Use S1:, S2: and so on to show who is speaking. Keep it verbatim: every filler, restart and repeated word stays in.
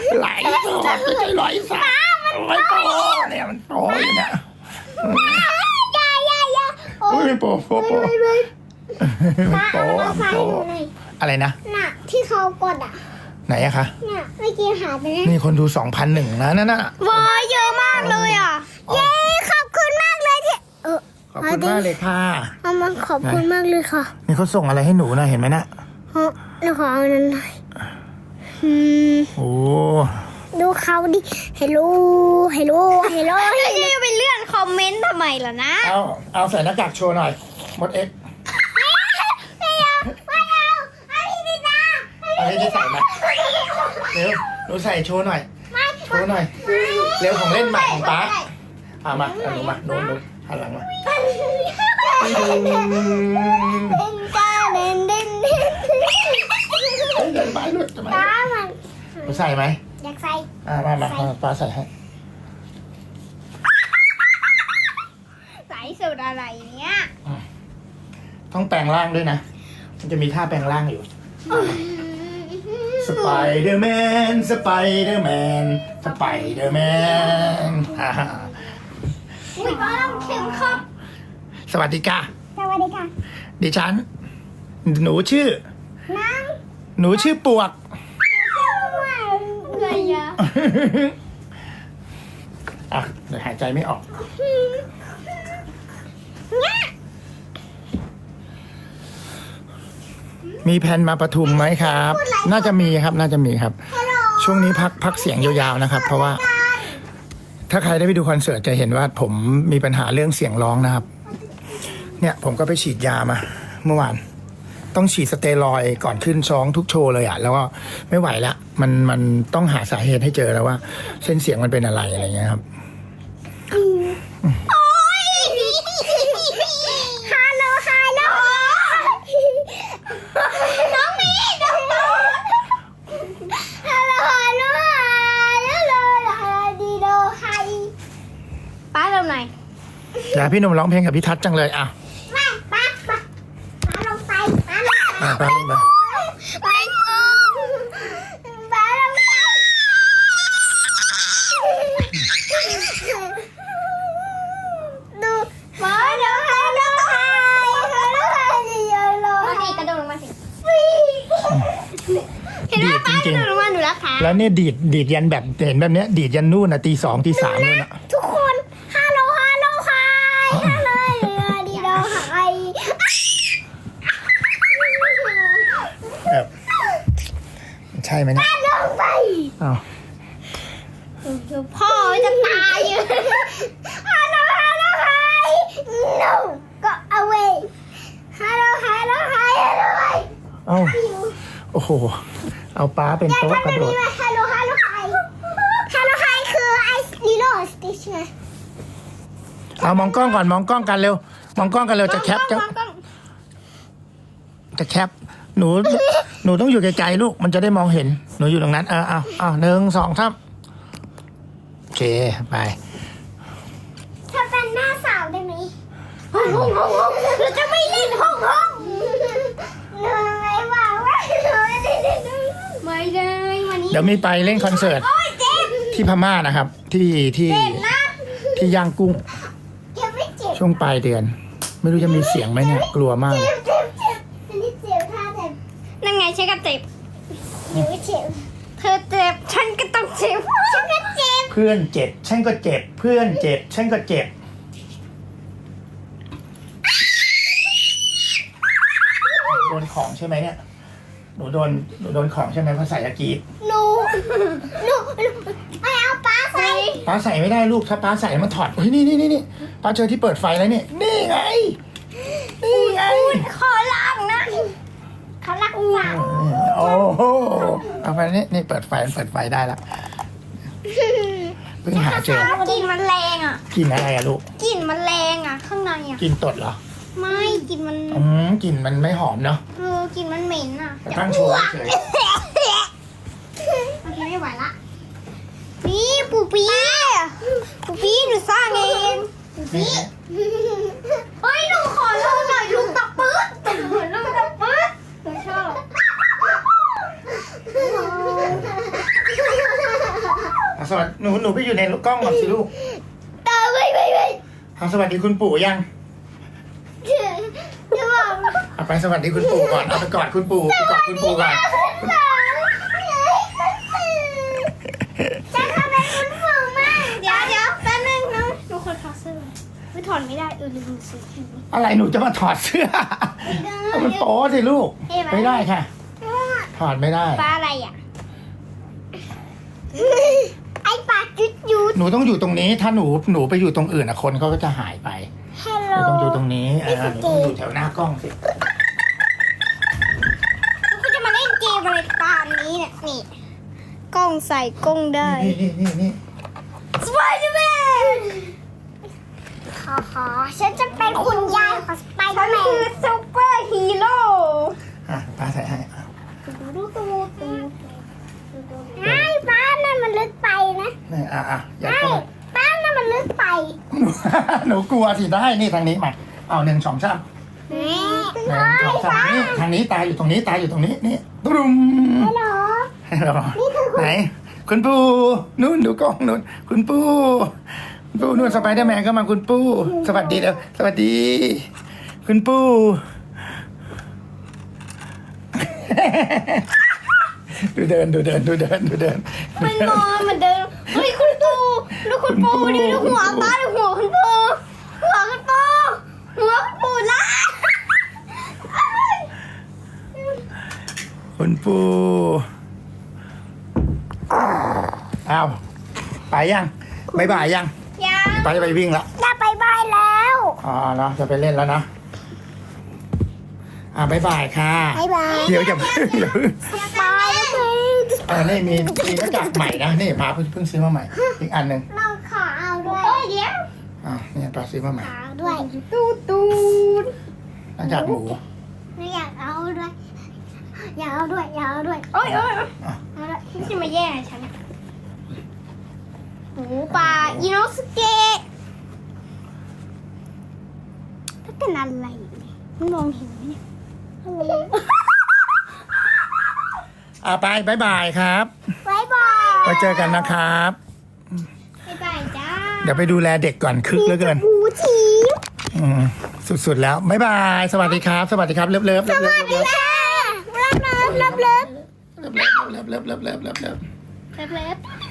S1: ไหลสดไม่ใช่ไหลสาไม่โตเนี่ยมันโตอยู่เนี่ย
S2: อย่าอย่าอย่าโอ้
S1: อุ้ยโปโปโปมันโตมันโตอะไรนะ
S2: น่ะที่เขากดอ่ะ
S1: ไหนอะคะ
S2: เนี่ยเมื่อกี้หายไปแล้ว
S1: นี่คนดูสองพันหนึ่งนะนั่นน่ะ
S3: ว้าเยอะมากเลยอ่ะ
S2: เย้ขอบคุณมากเลยที่เออ
S1: ขอบคุณมากเลยค่ะ
S2: เอามาขอบคุณมากเลยค่ะ
S1: นี่เขาส่งอะไรให้หนูนะเห็นไหมนะ
S2: เออหนูขอเอานั้นหน่อยอืม
S1: โอ้
S2: ดูเขาดิเฮลโลเฮลโลเฮลโล
S3: แล้วจะไปเลื่อนคอมเมนต์ทำไมล่ะนะ
S1: เอาเอาใส่หน้ากากโชว์หน่อยมดเอ็ก
S2: ไม่เอาไม่เอาอันนี้ดีนะ
S1: อันนี้จะใส่มาเร็วหนูใส่โชว์หน่อยโชว์หน่อยเร็วของเล่นใหม่ของป๊าเอามาเอาหนูมาหนูหนูหันหลังมา
S2: เด่นจ้าเด่นเด่นเด่น
S1: เฮ้ยเดินไปด้วยทำไม
S2: ป้ามัน
S1: หนูใส่ไหม
S2: อยากใส่
S1: อ่ามามาป้าใส่ให้
S3: ใส่สูตรอะไรเนี้ย
S1: ต้องแปลงร่างด้วยนะมันจะมีท่าแปลงร่างอยู่สไปเดอร์แมนสไปเดอร์แมนสไปเดอร์แมนฮ่าฮ่า
S2: อุ้ยป้าต้องเข็มครับ
S1: สวัสดีค่ะ
S2: สวัสดีค่ะ
S1: ดิฉันหนูชื่อ
S2: น้อง
S1: หนูชื่อปวก
S2: อะไรอะ
S1: อ่ะเดี๋ยวหายใจไม่ออกมีแผนมาปทุมไหมครับ น่าจะมีครับน่าจะมีครับ ช่วงนี้พักพักเสียงยาวๆนะครับ เพราะว่าถ้าใครได้ไปดูคอนเสิร์ตจะเห็นว่าผมมีปัญหาเรื่องเสียงร้องนะครับเนี่ยผมก็ไปฉีดยามาเมื่อวานต้องฉีดสเตียรอยด์ก่อนขึ้นซ้องทุกโชว์เลยอ่ะแล้วก็ไม่ไหวละมันมันต้องหาสาเหตุให้เจอแล้วว่าเส้นเสียงมันเป็นอะไรอะไรเงี้ยครับ
S2: โอ้ยฮัลโหลฮัลโหลน้องมีน้องมีฮัลโหลฮัลโหลฮัลโหลฮัลโหลดีโดไฮ
S3: ป้าทำไหน
S1: อยากพี่หนุ่มร้องเพลงกับพี่ทัศน์จังเลยอ่ะ
S2: มาป้าป้าป้าลงไปป้าลงไป
S1: อ่ะป้าลงไป
S2: ไม่เอาป้าลงไปดูป้าลงไปลงไปลงไปดีเยอะเลย
S3: มาสิกระโดดลงมาสิ
S1: เห็นไหมป้ากระโดด
S3: ลงมาหนูรักค่ะ
S1: แล้วเนี่ยดีดดีดยันแบบเห็นแบบเนี้ยดีดยันนู่นนะตีสองตีสามนู่นนะ
S2: ทุกคนฮัลโหลฮัลโหลไฮฮัลโหลดีโดไฮ
S1: แบบใช่ไหมเนี่ย
S2: ลงไป
S1: อ้าว
S3: พ่อจะตายอยู่
S2: ฮัลโหลฮัลโหลไฮ no go away ฮัลโหลฮัลโหลไฮฮัลโหลไฮ
S1: เอ้าโอ้โหเอาป้าเป็นโต๊ะกระโดด
S2: ฮัลโหลฮัลโหลไฮฮัลโหลไฮคือไอลีโลสติชไง
S1: เอามองกล้องก่อนมองกล้องกันเร็วมองกล้องกันเร็วจะแคปจะจะแคปหนูหนูต้องอยู่ไกลๆลูกมันจะได้มองเห็นหนูอยู่ตรงนั้นเออเอาเอาหนึ่งสองสามโอเคไป
S2: ถ้าเป็นหน้าสาวได้ไหมห้องห้องห้องห้องเราจะไม่เล่นห้องห้องหนูไม่บอกว่าหนูไม่ได้เล่น
S3: ไม่ได้วันนี้
S1: เดี๋ยวมีไปเล่นคอนเสิร์ตที่พม่านะครับ ที่ที่ที่ย่างกุ้งช่วงปลายเดือนไม่รู้จะมีเสียงไหมเนี่ยกลัวมากเลย
S3: นั่นไงฉันก็เจ็บ
S2: หนูเจ็บ
S3: เธอเจ็บฉันก็ต้องเจ็บ
S2: ฉันก็เจ็บ
S1: เพื่อนเจ็บฉันก็เจ็บเพื่อนเจ็บฉันก็เจ็บโดนของใช่ไหมเนี่ยหนูโดนหนูโดนของใช่ไหมเพราะใส่ยากีด
S2: หนูหนูไม่เอาป้าใส่
S1: ป้าใส่ไม่ได้ลูกถ้าป้าใส่มันถอดเฮ้ยนี่นี่นี่นี่ป้าเจอที่เปิดไฟแล้วนี่นี่ไงนี่ไง
S3: ขอล้างนะ
S2: เขารักสาว
S1: โอ้โหเอาไปนี่นี่เปิดไฟเปิดไฟได้แล้วเพิ่งหาเจอก
S3: ลิ่นมันแรงอ่ะ
S1: กลิ่นอะไรอะลูก
S3: กลิ่นมันแรงอ่ะข้างในอ่ะ
S1: กลิ่นตดเหรอ
S3: ไม่กลิ่นมัน
S1: อืมกลิ่นมันไม่หอมเนาะ
S3: เออกลิ่นมันเหม็นอ่ะ
S1: ตั้งโชว์เฉย
S3: โอเคไม่ไหวละนี่ปูปี้ปูปี้หนูสร้างเองปูปี้เฮ้ยหนูขอลงหน่อยลูกตะปื๊ดลูกตะปื๊ดหนูชอบ
S1: อ่ะสวัสดีหนูหนูไปอยู่ในกล้องก่อนสิลูก
S2: ตาไม่ไม่ไม่
S1: เอาสวัสดีคุณปู่ยัง
S2: จะบอก
S1: เอาไปสวัสดีคุณปู่ก่อนเอาไปกอดคุณปู่ไปกอดคุณปู่ก่อน
S2: คุณหมอจะทำอะไรคุณปู่มั่ง
S3: เดี๋ยวเดี๋ยวแป๊บนึงนะหนูคนถอดเสื้อไม่ถอดไม่ได้เออลืมซื้อ
S1: อะไรหนูจะมาถอดเสื้อเอามันโป๊สิลูกไม่ได้ค่ะ ถอดไม่ได้
S3: ปลาอะไรอ่ะ
S2: ไอ้ปากจุดยุด
S1: หนูต้องอยู่ตรงนี้ ถ้าหนูหนูไปอยู่ตรงอื่นอะคนเขาก็จะหายไป
S2: ฮัล
S1: ห
S2: โหล
S1: นูต้องอยู่ตรงนี้เออหนูต้องอยู่แถวหน้ากล้องสิ
S3: คุณจะมาเล่นเกมอะไรตามนี้เนี่ยนี่กล้องใส่กล้องได้
S1: นี่นี่นี่นี่
S3: สไปเดอร์แมน
S2: ขอขอฉันจะเป็นคุณยายของสไปเด
S3: ฉั
S2: อน ร์แม
S3: คือน ซูเปอร์ฮีโร่
S1: อ่ะป้าใส่ให้อ่ะ
S3: ดูตูตู
S2: ไอ้ป้านั่นมันลึกไปนะ
S1: นี่อ่ะอ่ะอย่า
S2: ไอ้
S1: เข้า
S2: ป้านั่นมันลึกไป
S1: หนูกลัวสิได้นี่ทางนี้มาเอาหนึ่งสองสาม
S2: นี่
S1: หนึ่งสองสามนี่ทางนี้ตาอยู่ตรงนี้ตาอยู่ตรงนี้นี่ตุ้ม
S2: ฮัลโหล
S1: ให้เรา
S2: นี่คือคุณ
S1: ไหนคุณปู่นู่นดูกล้องนู่นคุณปู่คุณปู่นู่นสไปเดอร์แมนก็มาคุณปู่สวัสดีแล้วสวัสดี คุณปู่ดูเดินดูเดินดูเดินดูเดิน
S3: มันนอนเหมือนเดิมเฮ้ยคุณปูดูคุณปูดิดูหัวป้าดูหัวคุณปูหัวคุณปูหัวคุณปูละ
S1: คุณปู่อ้าวไปยังบายบายยัง
S3: ยัง
S1: ไปไปวิ่งละ
S2: จะไปบายแล้ว
S1: อ๋อเนาะจะไปเล่นแล้วนะอ่าบายบายค่ะ
S2: บายบาย
S1: เดี๋ยวอย่าเพิ่งอย่าเพิ่ง
S2: บายเลย
S1: อ่านี่มีมีหน้ากากใหม่นะนี่ป้าเพิ่งเพิ่งซื้อมาใหม่ อีกอันหนึ่ง
S2: เราขอเอาด้วย
S3: เฮ้ยเดี๋ยว
S1: อ่านี่ป้าซื้อมาใหม่
S2: ขอเอาด้วย
S3: ตูตูน
S1: หน้ากากหมู
S2: ไม่อยากเอาด้วยอยากเอาด้วยอยากเอาด้วย
S3: โอ้ยโอ้ย
S1: อ่ะ
S2: เอาด้วย
S3: นี่จะมาแย่งฉันหมูป่าอิโนสเกะถ้าเป็นอะไรเนี่ยมันมองเห็นไหมเนี่ย
S1: อ่าไปบายบายครับ
S2: บายบาย
S1: ไว้เจอกันนะครับ
S3: บ๊ายบายจ้า
S1: เดี๋ยวไปดูแลเด็กก่อนคึกเหลือเกิน
S2: หมูที
S1: อืมสุดๆแล้วบายบายสวัสดีครับ สวัสดีครับเลิฟเลิฟเลิฟเลิฟเลิฟ
S2: ค่ะรับเลิฟรับเลิฟ
S1: เลิฟเลิฟเลิฟเลิฟเลิฟเลิฟเลิฟ
S3: เล็บ